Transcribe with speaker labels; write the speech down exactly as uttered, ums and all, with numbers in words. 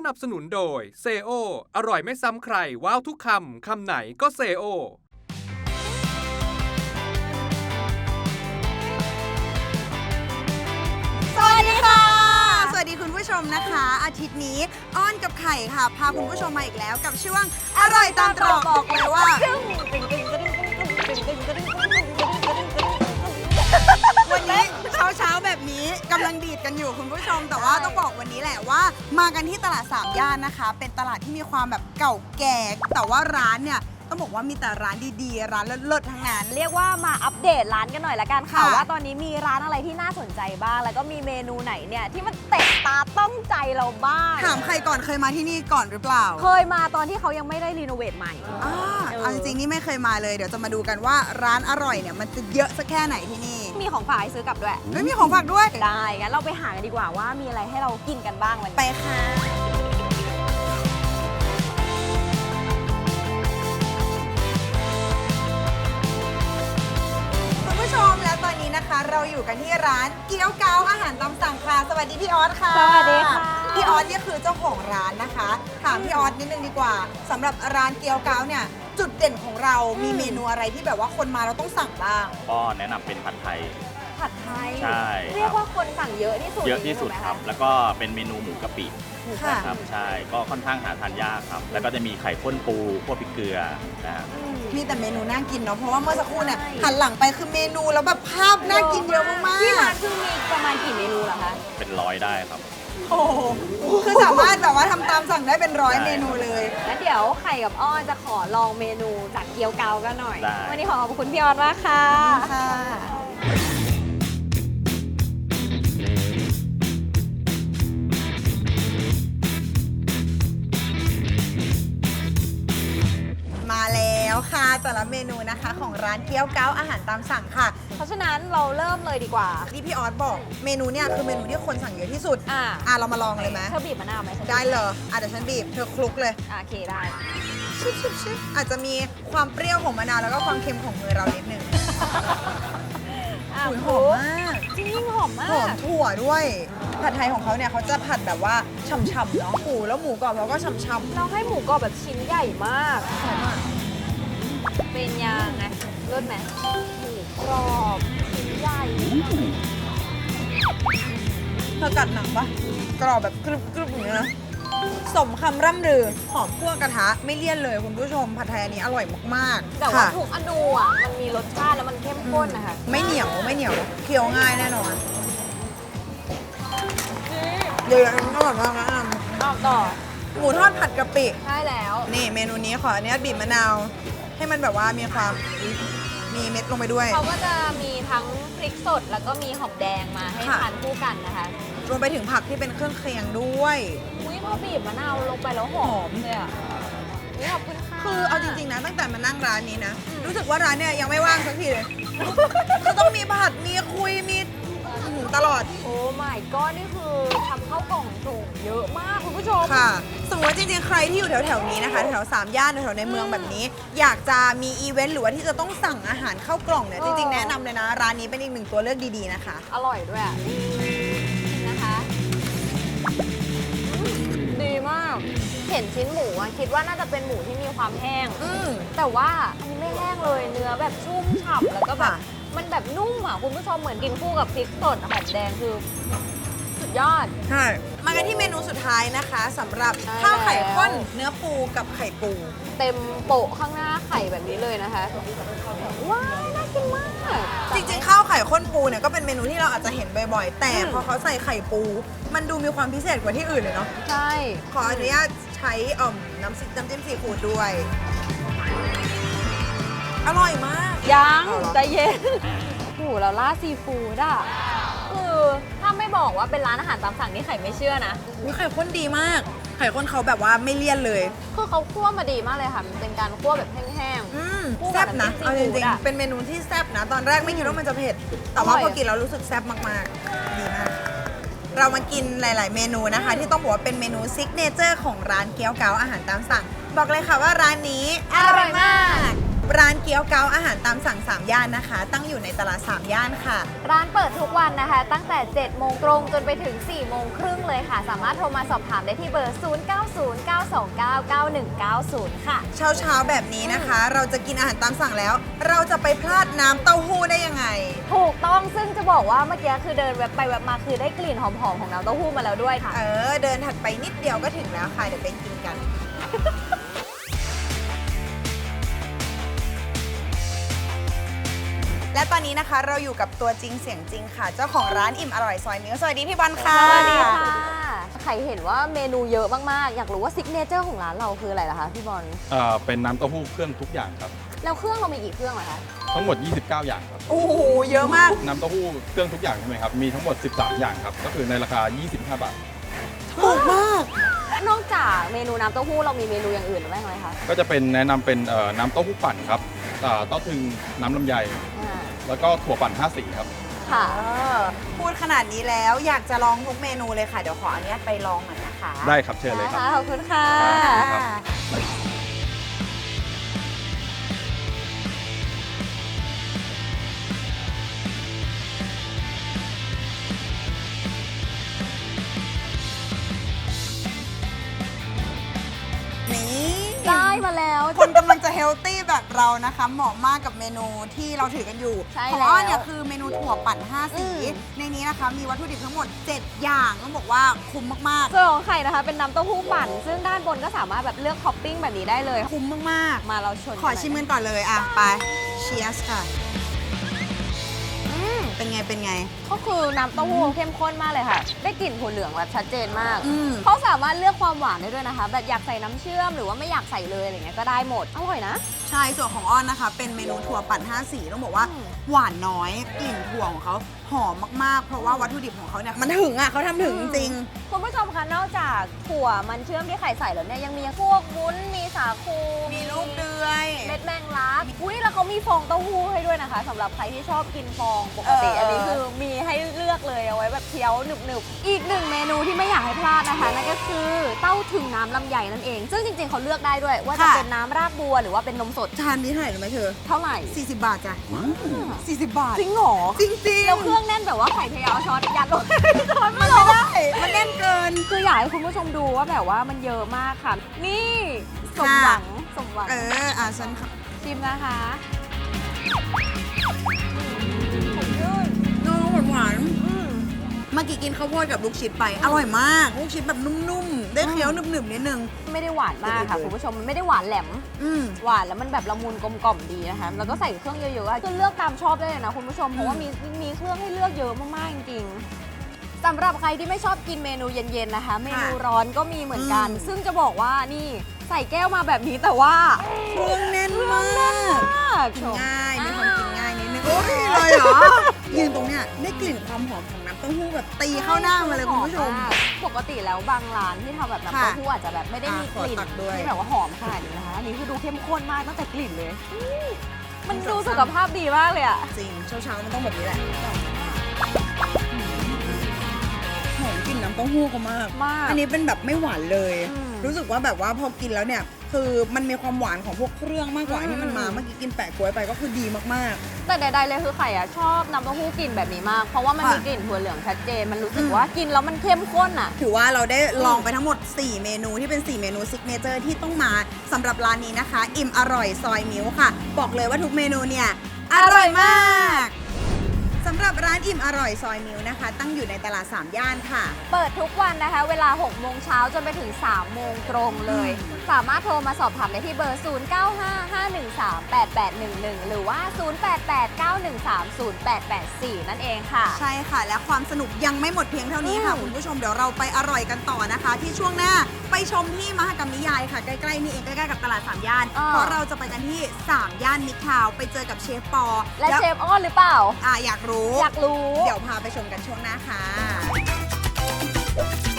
Speaker 1: นับสนุนโดยเซโออร่อยไม่ซ้ำใครว้าวทุกคำคำไหนก็เซโอ
Speaker 2: สวัสดีค่ะสวัสดีคุณผู้ชมนะคะอาทิตย์นี้อ้อนกับไข่ค่ะพาคุณผู้ชมมาอีกแล้วกับช่วงอร่อยตามตรอกบอกเลยว่าวันนี้เช้าเช้าแบบนี้กำลังดีดกันอยู่คุณผู้ชมแต่ว่าต้องบอกวันนี้แหละว่ามากันที่ตลาดสามย่านนะคะเป็นตลาดที่มีความแบบเก่าแก่แต่ว่าร้านเนี่ยต้องบอกว่ามีแต่ร้านดีๆร้านเลิศๆทั้งนั้น
Speaker 3: เรียกว่ามาอัปเดตร้านกันหน่อยละกันค่ะว่าตอนนี้มีร้านอะไรที่น่าสนใจบ้างแล้วก็มีเมนูไหนเนี่ยที่มันเตะตาต้องใจเราบ้าง
Speaker 2: ถามใครก่อนเคยมาที่นี่ก่อนหรือเปล่า
Speaker 3: เคยมาตอนที่เขายังไม่ได้รีโนเวทใหม่
Speaker 2: อ่าเอาจริงๆนี่ไม่เคยมาเลยเดี๋ยวจะมาดูกันว่าร้านอร่อยเนี่ยมันจะเยอะสักแค่ไหนที่นี่
Speaker 3: มีของฝากให้ซื้อกลับด้วย
Speaker 2: ไม่มีของฝากด้วย
Speaker 3: ได้งั้นเราไปหากันดีกว่าว่ามีอะไรให้เรากินกันบ้างวันนี้
Speaker 2: ไปค่ะและตอนนี้นะคะเราอยู่กันที่ร้านเกี๊ยวเกาอาหารตามสั่งค่ะสวัสดีพี่ออสค่ะ
Speaker 3: สวัสดีค่ะ
Speaker 2: พี่ออสเนี่ยคือเจ้าของร้านนะคะถามพี่ออสนิดนึงดีกว่าสำหรับร้านเกี๊ยวเกาเนี่ยจุดเด่นของเรามีเมนูอะไรที่แบบว่าคนมาเราต้องสั่งบ้าง
Speaker 4: ก็แนะนำเป็นผัดไทย
Speaker 3: ผัดไทย
Speaker 4: ใช่
Speaker 3: เรียกว่าคนสั่งเยอะที่สุด
Speaker 4: เยอะที่สุดครับแล้วก็เป็นเมนูหมูกะปินะครับใช่ก็ค่อนข้างหาทานยากครับแล้วก็จะมีไข่ข้นปูพวกพริกเกลือนะครับ
Speaker 2: มีแต่เมนูน่ากินเนาะเพราะว่าเมื่อสักครู่เนี่ยหันหลังไปคือเมนูแล้วแบบภาพน่ากินเยอะมากๆ
Speaker 3: ที่ร้านคือมีประมาณกี่เมนูเหรอคะ
Speaker 4: เป็นร้อยได้ครับ
Speaker 2: โอ้คือสามารถแบบว่าทำตามสั่งได้เป็นร้อยเมนูเลย
Speaker 3: แล้วเดี๋ยวไข่กับอ้อนจะขอลองเมนูจากเกี๊ยวเกากันหน่อยวันนี้ขอขอบคุณพี่ออสมากค่ะ
Speaker 2: ค่ะมาแล้วค่ะแต่ละเมนูนะคะของร้านเกี๊ยวเกาอาหารตามสั่งค่ะ
Speaker 3: เพราะฉะนั้นเราเริ่มเลยดีกว่า
Speaker 2: ที่พี่ออสบอกเมนูเนี่ยคือเมนูที่คนสั่งเยอะที่สุด
Speaker 3: อ่า
Speaker 2: อ่าเรามาลองเลยไหม
Speaker 3: เธอบีบมะนาวไหม
Speaker 2: ได้เลยอ่ะเดี๋ยวฉันบีบเธอคลุกเลย
Speaker 3: โอเคได้
Speaker 2: ชิบชิบชิบอาจจะมีความเปรี้ยวของมะนาวแล้วก็ความเค็มของมือเรานิดนึงหอมมาก
Speaker 3: จริงหอมมาก
Speaker 2: หอมถั่วด้วยผัดไทยของเขาเนี่ยเขาจะผัดแบบว่าฉ่ำๆเนาะหมูแล้วหมูกรอบเราก็ฉ่ำๆ
Speaker 3: เราให้หมูกรอบแบบชิ้นใหญ่มากเป็นยังไงรสไหมหมูกรอบชิ้นใหญ่
Speaker 2: เธอกัดหนังปะกรอบแบบกรึบๆอย่างนี้นะสมคำร่ำลือหอมคั่วกระทะไม่เลี่ยนเลยคุณผู้ชมผัดไทยอันนี้อร่อยมาก
Speaker 3: ๆแต่ว่าทุกอนูอ่ะมันมีรสชาติแล้วมันเข้มข้นนะคะ
Speaker 2: ไม่เหนียวไม่เหนียวเคี้ยวง่ายแน่นอนเดี๋ยวๆอร่อยมากนะ
Speaker 3: ต่อต่อ
Speaker 2: หมูทอดผัดกะปิ
Speaker 3: ใช่แล้ว
Speaker 2: นี่เมนูนี้ขออนุญาตบีบมะนาวให้มันแบบว่ามีความมีเม็ดลงไปด้วย
Speaker 3: เขาก็จะมีทั้งพริกสดแล้วก็มีหอมแดงมาให้ทานคู่กันนะคะ
Speaker 2: รวมไปถึงผักที่เป็นเครื่องเคียงด้วย
Speaker 3: อุ้ยพอบีบมะนาวลงไปแล้วหอมเลยอ่ะนี่ขอบคุณค่ะ
Speaker 2: คือเอาจริงๆนะตั้งแต่มานั่งร้านนี้นะรู้สึกว่าร้านเนี่ยยังไม่ว่างสักทีเลยคือต้องมีผัดมีคุยมีตลอด
Speaker 3: โอ้ my god นี่คือทำข้าวกล่องส่งเยอะมากคุณผู้ชม
Speaker 2: ค่ะสมมติว่าจริงๆใครที่อยู่แถวๆนี้นะคะแถวสามย่านแถวในเมืองแบบนี้อยากจะมีอีเวนต์หรือว่าที่จะต้องสั่งอาหารเข้ากล่องเนี่ยจริงๆแนะนำเลยนะร้านนี้เป็นอีกหนึ่งตัวเลือกดีๆนะคะ
Speaker 3: อร่อยด้วยนะคะดีมากเห็นชิ้นหมูคิดว่าน่าจะเป็นหมูที่มีความแห้งแต่ว่าอันนี้ไม่แห้งเลยเนื้อแบบชุ่มฉ่ำแล้วก็แบบมันแบบนุ่มอ่ะคุณผู้ชมเหมือนกินคู่กับพริกสดหอมแดงคือสุดยอด
Speaker 2: ใช่มากันที่เมนูสุดท้ายนะคะสำหรับข้าวไข่ข้นเนื้อปูกับไข่ปู
Speaker 3: เต็มโปะข้างหน้าไข่แบบนี้เลยนะคะว้าวน่ากินมาก
Speaker 2: จริงๆข้าวไข่ข้นปูเนี่ยก็เป็นเมนูที่เราอาจจะเห็นบ่อยๆแต่พอเขาใส่ไข่ปูมันดูมีความพิเศษกว่าที่อื่นเลยเนาะ
Speaker 3: ใช่
Speaker 2: ขออนุญาตใช้อ่อมน้ำน้ำจิ้มซีฟู้ดด้วยอร่อยมาก
Speaker 3: ยังใจเย็นโอ้โหเราล่าซีฟู้ดอ่ะคือถ้าไม่บอกว่าเป็นร้านอาหารตามสั่งนี่ไข่ไม่เชื่อนะ
Speaker 2: วิไข่ข้นดีมากไข่ข้นเขาแบบว่าไม่เลี่ยนเลย
Speaker 3: คือเขาคั่วมาดีมากเลยค่ะมันเป็นการคั่วแบบแห้ง
Speaker 2: ๆแซ่บนะเอาจริงๆเป็นเมนูที่แซ่บนะตอนแรกไม่คิดว่ามันจะเผ็ดแต่ว่าพอกินแล้วรู้สึกแซ่บมากๆดีมากเรามากินหลายๆเมนูนะคะที่ต้องบอกว่าเป็นเมนูซิกเนเจอร์ของร้านเกี๊ยวเกาอาหารตามสั่งบอกเลยค่ะว่าร้านนี้
Speaker 3: อร่อยมาก
Speaker 2: ร้านเกี๊ยวเกาอาหารตามสั่งสามย่านนะคะ ตั้งอยู่ในตลาดสามย่านค่ะ
Speaker 3: ร้านเปิดทุกวันนะคะ ตั้งแต่เจ็ดโมงตรงจนไปถึงสี่โมงครึ่งเลยค่ะ สามารถโทรมาสอบถามได้ที่เบอร์ ศูนย์ เก้า ศูนย์ เก้า สอง เก้า เก้า หนึ่ง เก้า ศูนย์ ค่ะ
Speaker 2: เช้าเช้าๆแบบนี้นะคะ เราจะกินอาหารตามสั่งแล้ว เราจะไปพลาดน้ำเต้าหู้ได้ยังไง
Speaker 3: ถูกต้องซึ่งจะบอกว่าเมื่อกี้คือเดินแวบไปแวบมาคือได้กลิ่นหอมๆของน้ำเต้าหู้มาแล้วด้วยค่ะ
Speaker 2: เออ เดินถัดไปนิดเดียวก็ถึงแล้วค่ะ เดี๋ยวไปกินกัน และตอนนี้นะคะเราอยู่กับตัวจริงเสียงจริงค่ะ เจ้าของร้านอิ่มอร่อยซอยมิ้วสวัสดีพี่บอลค่ะ
Speaker 3: สวัสดีค่ะใครเห็นว่าเมนูเยอะมากๆ อยากรู้ว่าซิกเนเจอร์ของร้านเราคืออะไรล่ะคะพี่บอล
Speaker 5: เอ่อเป็นน้ำเต้าหู้เครื่องทุกอย่างครับ
Speaker 3: แล้วเครื่องเรามีกี่เครื่องเหรอคะ
Speaker 5: ทั้งหมด ยี่สิบเก้า อย่างครับ
Speaker 2: โอ้โห เยอะมาก
Speaker 5: น้ำเต้าหู้เครื่องทุกอย่างใช่ไหมครับ มีทั้งหมด สิบสาม อย่างครับ ก็คือในราคา ยี่สิบห้า บาท
Speaker 2: ถูกมาก
Speaker 3: นอกจากเมนูน้ำเต้าหู้เรามีเมนูอย่างอื่นหรือไม่ไหมคะ
Speaker 5: ก็จะเป็นแนะนำเป็นเอ่อน้ำเต้าหู้ปั่นครับเอ่อเต้าถึงน้ำลำไย
Speaker 3: อ่า
Speaker 5: แล้วก็ถั่วปั่นห้าสีครับ
Speaker 3: ค่ะ
Speaker 2: เออ พูดขนาดนี้แล้วอยากจะลองทุกเมนูเลยค่ะ เดี๋ยวขออนุญาตไปลองหน่อยนะคะ
Speaker 5: ได้ครับเชิญเลยครับ
Speaker 3: ขอบคุณค่ะ
Speaker 5: ครับ
Speaker 2: นี่
Speaker 3: ได้มาแล้ว
Speaker 2: คนกำลังจะเฮลตี้แบบเรานะคะ เหมาะมากกับเมนูที่เราถือกันอยู่
Speaker 3: ใช่
Speaker 2: ของ
Speaker 3: แล้ว
Speaker 2: อ้อนเนี่ยคือเมนูถั่วปั่นห้าสี
Speaker 3: อืม
Speaker 2: ในนี้นะคะมีวัตถุดิบทั้งหมด เจ็ด อย่างต้องบอกว่าคุ้มมาก
Speaker 3: ส่วนของไข่นะคะเป็นน้ำเต้าหู้ปั่น ซึ่งด้านบนก็สามารถแบบเลือกท็อปปิ้งแบบนี้ได้เลย
Speaker 2: ๆ คุ้มมาก
Speaker 3: มาเราชน
Speaker 2: ๆ ขอชิมกันก่อนเลยอ่ะ ไปเชียสค่ะ
Speaker 3: อืม
Speaker 2: เป็นไงเป็นไง
Speaker 3: ก็คือน้ำเต้าหู้เข้มข้นมากเลยค่ะ ได้กลิ่นถั่วเหลืองแบบชัดเจนมาก
Speaker 2: อืม
Speaker 3: เขาสามารถเลือกความหวานได้ด้วยนะคะ แบบอยากใส่น้ำเชื่อมหรือว่าไม่อยากใส่เลยอะไรเงี้ยก็ได้หมด อร่อยนะ
Speaker 2: ใช่ส่วนของอ้อนนะคะ เป็นเมนูถั่วปั่นห้าสีต้องบอกว่า
Speaker 3: อืม
Speaker 2: หวานน้อยกลิ่นถั่วของเขาหอมมากๆ เพราะว่าวัตถุดิบของเขาเนี่ยมันถึงอ่ะเขาทำถึงจริง
Speaker 3: คุณผู้ชมคะนอกจากถั่วมันเชื่อมที่ไข่ใส่แล้วเนี่ยยังมีพวกวุ้นมีสาคู
Speaker 2: มีลูกเดือย
Speaker 3: เม็ดแมงลักอุ้ยแล้วเขามีฟองเต้าหู้ให้ด้วยนะคะสำหรับใครที่ชอบกินฟองปกติ
Speaker 2: เอออั
Speaker 3: อันนี้คือมีให้เลือกเลยเอาไว้แบบเคี้ยวหนึบๆอีกหนึ่งเมนูที่ไม่อยากให้พลาดนะคะนั่นก็คือเต้าถึงน้ำลำไยนั่นเอง ซึ่งจริงๆเขาเลือกได้ด้วย ว่าจะเป็นน้ำรากบัวหรือว่าเป็นนมสด
Speaker 2: จานนี้เท่าไหร่รู้ไหมเธอ
Speaker 3: เท่าไหร่
Speaker 2: สี่สิบบาทจ้ะสี่สิบบาท
Speaker 3: จริงเหรอ
Speaker 2: จริงๆ
Speaker 3: แล้วเครื่องแน่นแบบว่าไข่เทเอาช้อนยัดลงช้อน
Speaker 2: มั
Speaker 3: มาน ล
Speaker 2: ไม่
Speaker 3: ง
Speaker 2: ได้ มันแน่นเกิน
Speaker 3: คืออยากให้คุณผู้ชมดูว่าแบบว่ามันเยอะมากค่ะ นี่สมหวังสมหวัง
Speaker 2: เออ อ่ะฉัน
Speaker 3: ชิมนะคะ
Speaker 2: น้องหวานหวานๆเมื่อกี้กินข้าวโพดกับลูกชิดไป อร่อยมาก ลูกชิดแบบนุ่มๆ ได้เคี้ยวหนึบๆนิดนึง
Speaker 3: ไม่ได้หวานมากค่ะ
Speaker 2: เออ
Speaker 3: คุณผู้ชมมันไม่ได้หวานแหลม
Speaker 2: อืม
Speaker 3: หวานแล้วมันแบบละมุนกลมกล่อมดีนะคะแล้วก็ใส่เครื่องเยอะๆอะคือเลือกตามชอบได้เลยนะคุณผู้ชมเพราะว่ามีมีเครื่องให้เลือกเยอะมากๆจริงๆสำหรับใครที่ไม่ชอบกินเมนูเย็นๆนะคะ เมนูร้อนก็มีเหมือนกัน
Speaker 2: อืม
Speaker 3: ซึ่งจะบอกว่านี่ใส่แก้วมาแบบนี้แต่ว่า
Speaker 2: เครื่องแน่นมาก
Speaker 3: มาก
Speaker 2: กินง่าย มีความกินง่ายนิดนึง โอ้ยเลยเหรอ ยืนตรงเนี้ยได้กลิ่นความหอมของน้ำเต้าหู้แบบตีเข้าหน้ามาเลยคุณผู้ชม
Speaker 3: หอากปกติแล้วบางร้านที่ทำแบบน้ำ
Speaker 2: ค่ะ
Speaker 3: เต้าหู้อาจจะแบบไม่ได้มีกลิ่น
Speaker 2: อ่ะขอตักด้วย
Speaker 3: ที่แบบว่าหอมขนาดนี้นะคะอันนี้คือดูเข้มข้นมากตั้งแต่กลิ่นเลยอืมมันดูสุขภาพดีมากเลยอะ
Speaker 2: จริง เช้าๆมันต้องแบบนี้แหละหอมกลิ่นน้ำเต้าหู้เขามาก
Speaker 3: มาก
Speaker 2: อันนี้เป็นแบบไม่หวานเลย
Speaker 3: อืม
Speaker 2: รู้สึกว่าแบบว่าพอกินแล้วเนี่ย คือมันมีความหวานของพวกเครื่องมากกว่า
Speaker 3: อืม
Speaker 2: ที่มันมา เมื่อกี้กินแปะกล้วยไปก็คือดีมาก
Speaker 3: แต่ใดๆเลยคือไข่อะชอบน้ำเต้าหู้กลิ่นแบบนี้มาก เพราะว่ามัน
Speaker 2: ค่ะ
Speaker 3: มีกลิ่นถั่วเหลืองชัดเจน มันรู้สึก
Speaker 2: อืม
Speaker 3: ว่ากินแล้วมันเข้มข้นอะ
Speaker 2: ๆ ถือว่าเราได้ลองไปทั้งหมด สี่ เมนูที่เป็น สี่ เมนูซิกเนเจอร์ที่ต้องมาสำหรับร้านนี้นะคะ อิ่มอร่อยซอยมิ้วค่ะ บอกเลยว่าทุกเมนูเนี่ย อร่อยมากสำหรับร้านอิ่มอร่อยซอยมิวนะคะ ตั้งอยู่ในตลาดสามย่านค่ะ
Speaker 3: เปิดทุกวันนะคะ เวลาหกโมงเช้าจนไปถึงสามโมงตรงเลย สามารถโทรมาสอบถามได้ที่เบอร์ ศูนย์ เก้า ห้า ห้า หนึ่ง สาม แปด แปด หนึ่ง หนึ่ง หรือว่า ศูนย์ แปด แปด เก้า หนึ่ง สาม ศูนย์ แปด แปด สี่ นั่นเองค่ะ
Speaker 2: ใช่ค่ะ และความสนุกยังไม่หมดเพียงเท่านี้ค่ะ
Speaker 3: อืม
Speaker 2: คุณผู้ชมเดี๋ยวเราไปอร่อยกันต่อนะคะ ที่ช่วงหน้าไปชมที่มหกรรมนิยายค่ะ ใกล้ๆนี่เองใกล้ๆกับตลาดสามย่าน
Speaker 3: อ่า
Speaker 2: เพราะเราจะไปกันที่สามย่านมิตรทาวน์ไปเจอกับเชฟปอ
Speaker 3: และเชฟอ้อนหรือเปล่า
Speaker 2: อ่าอยากรู้
Speaker 3: อยากรู้
Speaker 2: เดี๋ยวพาไปชมกันช่วงหน้าค่ะ